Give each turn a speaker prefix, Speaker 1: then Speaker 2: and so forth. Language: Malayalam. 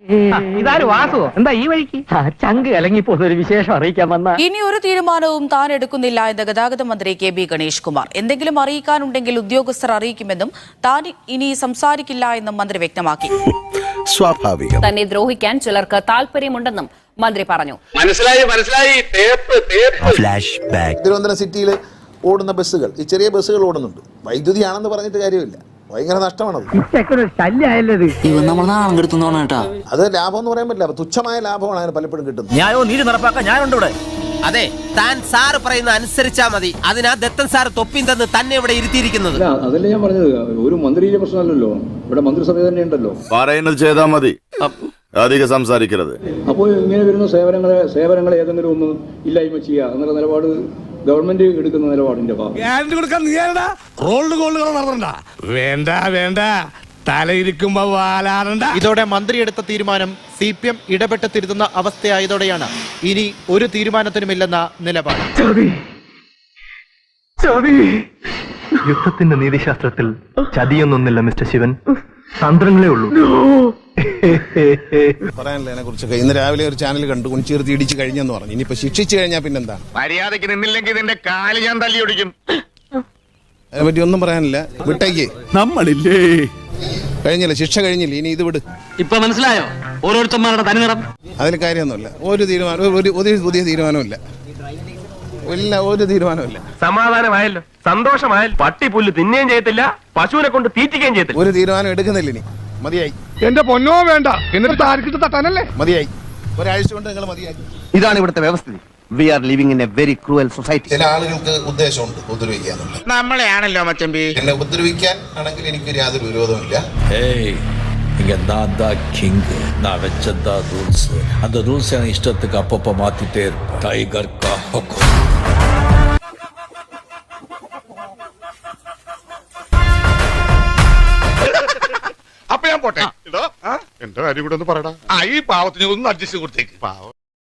Speaker 1: ഇതാരും വാസുവോ എന്താ ഈ വഴിക്ക് ചങ്ക് കലങ്ങിപ്പോ ഒരു വിശേഷം അറിയിക്കാൻ വന്ന.
Speaker 2: ഇനി ഒരു തീരുമാനവും താൻ എടുക്കുന്നില്ല എന്ന് ഗതാഗത മന്ത്രി KB ഗണേഷ് കുമാർ. എന്തെങ്കിലും അറിയിക്കാനുണ്ടെങ്കിൽ ഉദ്യോഗസ്ഥർ അറിയിക്കുമെന്നും താൻ ഇനി സംസാരിക്കില്ല എന്നും മന്ത്രി വ്യക്തമാക്കി.
Speaker 3: സ്വാഭാവികം.
Speaker 4: തന്നെ ദ്രോഹിക്കാൻ ചിലർക്ക് താല്പര്യമുണ്ടെന്നും മന്ത്രി പറഞ്ഞു.
Speaker 5: മനസ്സിലായി.
Speaker 3: Flash back.
Speaker 6: തിരുവനന്തപുരം സിറ്റിയിൽ ഓടുന്ന ബസ്സുകൾ, ഈ ചെറിയ ബസ്സുകൾ ഓടുന്നുണ്ട്. വൈദ്യുതിയാണെന്ന് പറഞ്ഞിട്ട് കാര്യമില്ല, ഭയങ്കര നഷ്ടമാണത്. അത് ലാഭം എന്ന് പറയാൻ പറ്റില്ല, തുച്ഛമായ ലാഭമാണ് അതിന് പലപ്പോഴും കിട്ടുന്നത്.
Speaker 7: ന്യായവും നീതി നടപ്പാക്കാൻ ഞാനുണ്ട് ഇവിടെ.
Speaker 8: അതെ, താൻ സാറ് പറയുന്ന അനുസരിച്ചാ മതി. അതിനാ ദത്തൻ സാർ തൊപ്പിൻ തന്ന് തന്നെ ഇവിടെ ഇരുത്തിയിരിക്കുന്നത്.
Speaker 9: അതല്ലേ ഞാൻ പറഞ്ഞത്, ഒരു മന്ത്രിയുടെ പ്രശ്നമല്ലല്ലോ, ഇവിടെ മന്ത്രിസഭ തന്നെ ഉണ്ടല്ലോ.
Speaker 10: പറയുന്നത് ചെയ്താൽ മതി, അധികം സംസാരിക്കരുത്.
Speaker 9: അപ്പോൾ ഇങ്ങനെ വരുന്ന സേവനങ്ങളെ ഏതെങ്കിലും ഒന്ന് ഇല്ലായ്മ ചെയ്യുക എന്നുള്ള നിലപാട് ഗവൺമെന്റ് എടുക്കുന്ന നിലപാടിന്റെ
Speaker 11: ഇതോടെ മന്ത്രി എടുത്ത തീരുമാനം CPM ഇടപെട്ട് തിരുത്തുന്ന അവസ്ഥയായതോടെയാണ് ഇനി ഒരു തീരുമാനത്തിനുമില്ലെന്ന നിലപാട്.
Speaker 12: യുദ്ധത്തിന്റെ നീതിശാസ്ത്രത്തിൽ ചതിയൊന്നൊന്നില്ല മിസ്റ്റർ ശിവൻ, തന്ത്രങ്ങളേ ഉള്ളൂ.
Speaker 6: പറയാനില്ല അതിനെ കുറിച്ചൊക്കെ. ഇന്ന് രാവിലെ ഒരു ചാനൽ കണ്ടു, കുണിച്ചീർത്തി ഇടിച്ചു കഴിഞ്ഞെന്ന് പറഞ്ഞു. ഇനിയിപ്പോ ശിക്ഷിച്ചു കഴിഞ്ഞാൽ പിന്നെന്താണ്?
Speaker 5: മര്യാദയ്ക്ക് നിന്നില്ലെങ്കിൽ നിന്റെ കാല് ഞാൻ തല്ലി ഒടിക്കും.
Speaker 6: അതിനെപ്പറ്റി ഒന്നും പറയാനില്ല, വിട്ടേക്ക്.
Speaker 3: നമ്മളില്ലേ
Speaker 6: കഴിഞ്ഞില്ല, ശിക്ഷ കഴിഞ്ഞില്ല, ഇനി ഇത് വിട്.
Speaker 7: ഇപ്പൊ മനസ്സിലായോ ഓരോരുത്തന്മാരുടെ തനിനിറം?
Speaker 6: അതിൽ കാര്യമൊന്നുമില്ല, ഒരു പുതിയ തീരുമാനമില്ല, ഒരു തീരുമാനമില്ല.
Speaker 5: സമാധാനമായല്ലോ, സന്തോഷമായല്ലോ. പട്ടി പുല്ല് തിന്നുകയും ചെയ്യത്തില്ല, പശുവിനെ കൊണ്ട് തീറ്റിക്കുകയും ചെയ്യത്തില്ല.
Speaker 6: ഒരു തീരുമാനം എടുക്കുന്നില്ല, ഇനി മതിയായി.
Speaker 5: എന്റെ പൊന്നോ വേണ്ട, എന്നിട്ട് താരക്കിട്ട് തട്ടാനല്ലേ?
Speaker 6: മതിയായി, ഒരാഴ്ച കൊണ്ട് നിങ്ങൾ മതിയായി.
Speaker 7: ഇതാണ് ഇവിടുത്തെ വ്യവസ്ഥിതി. We are living in a very cruel society.
Speaker 6: ചില ആളുകൾക്ക് ഉദ്ദേശമുണ്ട് ഉപദ്രവിക്കാന്നുള്ളത്.
Speaker 5: നമ്മളെയാണല്ലോ മച്ചമ്പി.
Speaker 6: എന്നെ ഉപദ്രവിക്കാൻ ആണെങ്കിൽ എനിക്ക് യാതൊരു വിരോധമില്ല.
Speaker 3: இங்க நான் தான் கிங், நான் வச்சதான் ரூல்ஸ். அந்த ரூல்ஸ் என் இஷ்டத்துக்கு அப்பப்போ மாத்திட்டே இருப்பேன். டைகர் கா ஹுக்கும்.
Speaker 5: അപ്പൊ ഞാൻ പോട്ടെ. എന്തോ കാര്യം കൂടെ ഒന്ന് പറയടാ. ഈ പാവത്തിന് ഒന്ന് അഡ്ജസ്റ്റ് കൊടുത്തേക്ക്. പാവം.